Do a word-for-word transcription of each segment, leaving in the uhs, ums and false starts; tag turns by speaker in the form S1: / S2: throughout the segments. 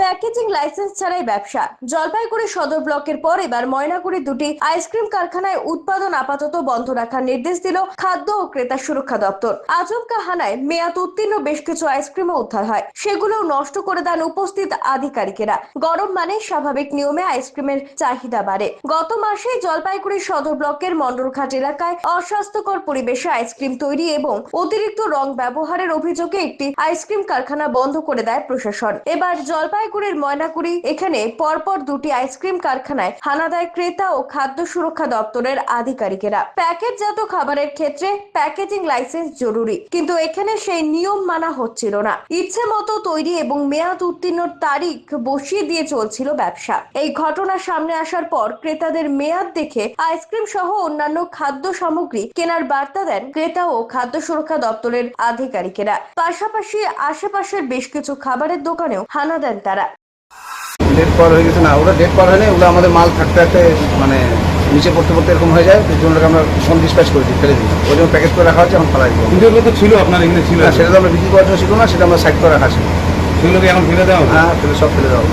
S1: Packaging license ছাড়াই ব্যবসা। জলপাইগুড়ি সদর ব্লকের পর এবার ময়নাগুড়ি দুটি আইসক্রিম কারখানায় উৎপাদন আপাতত বন্ধ রাখার নির্দেশ দিল খাদ্য ও ক্রেতা সুরক্ষা দপ্তর। আচমকা হানায় মেয়াদ উত্তীর্ণ বেশ কিছু আইসক্রিমও উদ্ধার হয়, সেগুলোও নষ্ট করে দেন উপস্থিত আধিকারিকেরা। গরম মানে স্বাভাবিক নিয়মে আইসক্রিমের চাহিদা বাড়ে। গত মাসে জলপাইগুড়ি সদর ব্লকের মন্ডলঘাট এলাকায় অস্বাস্থ্যকর পরিবেশে আইসক্রিম তৈরি এবং অতিরিক্ত রং ব্যবহারের অভিযোগে একটি আইসক্রিম কারখানা বন্ধ করে দেয় প্রশাসন। এবার জলপাইগুড়ির ময়নাগুড়ি এখানে পরপর দুটি আইসক্রিম কারখানায় হানা দেয় ক্রেতা ও খাদ্য সুরক্ষা দপ্তরের আধিকারিকেরা। প্যাকেটজাত খাবারের ক্ষেত্রে প্যাকেজিং লাইসেন্স জরুরি, কিন্তু এখানে সেই নিয়ম মানা হচ্ছিল না। ইচ্ছে মতো তৈরি এবং মেয়াদ উত্তীর্ণ তারিখ বসিয়ে দিয়ে চলছিল ব্যবসা। এই ঘটনা সামনে আসার পর ক্রেতাদের মেয়াদ দেখে আইসক্রিম সহ অন্যান্য খাদ্য সামগ্রী কেনার বার্তা দেন ক্রেতা ও খাদ্য সুরক্ষা দপ্তরের আধিকারিকেরা। পাশাপাশি আশেপাশের বেশ কিছু খাবারের দোকানেও হানা দেন তারা।
S2: ডেট পার হয়ে গেছে না, ওরা ডেট পার হয়নি, ওগুলো আমাদের মাল থাকতে থাকতে মানে নিচে পড়তে পড়তে এরকম হয়ে যায়, এই জন্য আমরা ফোন ডিসপ্যাচ করেছি, ফেলে দিই। ওই জন্য প্যাকেট করে রাখা হচ্ছে, এখন ফেলাই দিই।
S3: কিন্তু এগুলো তো ছিল আপনার এখানে ছিল,
S2: সেটা তো আমরা বিক্রি করার জন্য ছিল না, সেটা আমরা সাইড করে রাখা ছিল।
S3: সেগুলোকে এখন ফেলে দেওয়া?
S2: হ্যাঁ, ফেলে সব ফেলে দেওয়া।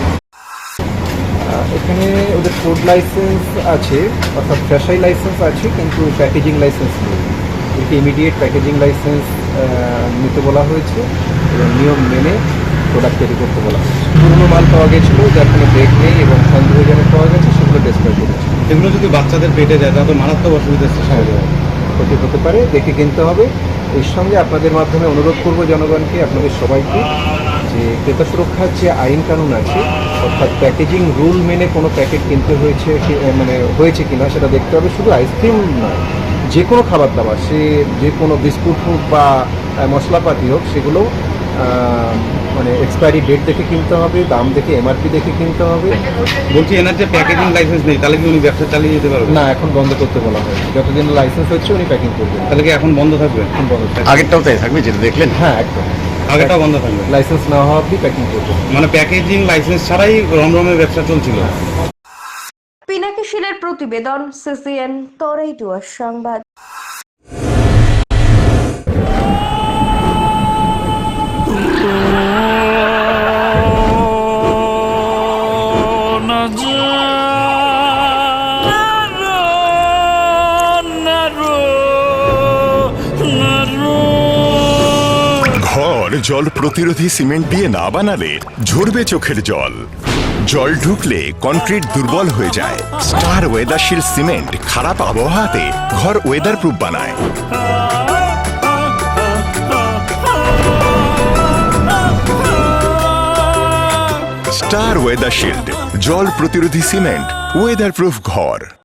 S4: এখানে ওদের ফুড লাইসেন্স আছে, অর্থাৎ ফ্রেশাই লাইসেন্স আছে, কিন্তু প্যাকেজিং লাইসেন্স নেই। এটি ইমিডিয়েট প্যাকেজিং লাইসেন্স নিতে বলা হয়েছে এবং নিয়ম মেনে প্রোডাক্ট তৈরি করতে বলা হয়েছে। পুরনো মাল পাওয়া গেছিলো, যার কোনো ব্রেক নেই এবং সন্দেহজনক পাওয়া গেছে, সেগুলো ডেসক্রাইব করেছে।
S3: এগুলো যদি বাচ্চাদের পেটে যায় তাহলে মারাত্মক অসুবিধা
S4: ক্ষতি হতে পারে, দেখে কিনতে হবে। এর সঙ্গে আপনাদের মাধ্যমে অনুরোধ করব জনগণকে, আপনাদের সবাইকে, যে ক্রেতা সুরক্ষার যে আইন কানুন আছে, অর্থাৎ প্যাকেজিং রুল মেনে কোনো প্যাকেট কিনতে হয়েছে মানে হয়েছে কিনা সেটা দেখতে হবে। শুধু আইসক্রিম নয়, যে কোনো খাবার দাবার, সে যে কোনো বিস্কুট হোক বা মশলাপাতি হোক, সেগুলো মানে এক্সপায়ারি ডেট দেখে কিনতে হবে, দাম দেখে এমআরপি দেখে কিনতে হবে।
S3: বলছি এনার যে প্যাকেজিং লাইসেন্স নেই, তাহলে কি উনি ব্যবসা চালিয়ে যেতে পারবেন?
S4: না, এখন বন্ধ করতে বলা হয়। যতদিন লাইসেন্স হচ্ছে উনি প্যাকিং করবেন।
S3: তাহলে কি এখন বন্ধ থাকবে?
S4: এখন বন্ধ থাকবে।
S2: আগেরটাও তাই থাকবে যেটা দেখলেন?
S4: হ্যাঁ, একদম
S3: আগেটাও বন্ধ থাকবে,
S4: লাইসেন্স না হওয়া অবধি প্যাকিং করবে।
S3: মানে প্যাকেজিং লাইসেন্স ছাড়াই রমরমের ব্যবসা চলছিল।
S1: পিনাকি শীলের প্রতিবেদন, সিসিএন তরাইটুয়ার সংবাদ।
S5: ঘর জল প্রতিরোধী সিমেন্ট দিয়ে না বানালে ঝরবে চোখের জল। জল ঢুকলে কনক্রিট দুর্বল হয়ে যায়। স্টার ওয়েদারশিল্ড সিমেন্ট খারাপ আবহাওয়াতে ঘর ওয়েদার প্রুফ বানায়। স্টার ওয়েদারশিল্ড, জল প্রতিরোধী সিমেন্ট, ওয়েদার প্রুফ ঘর।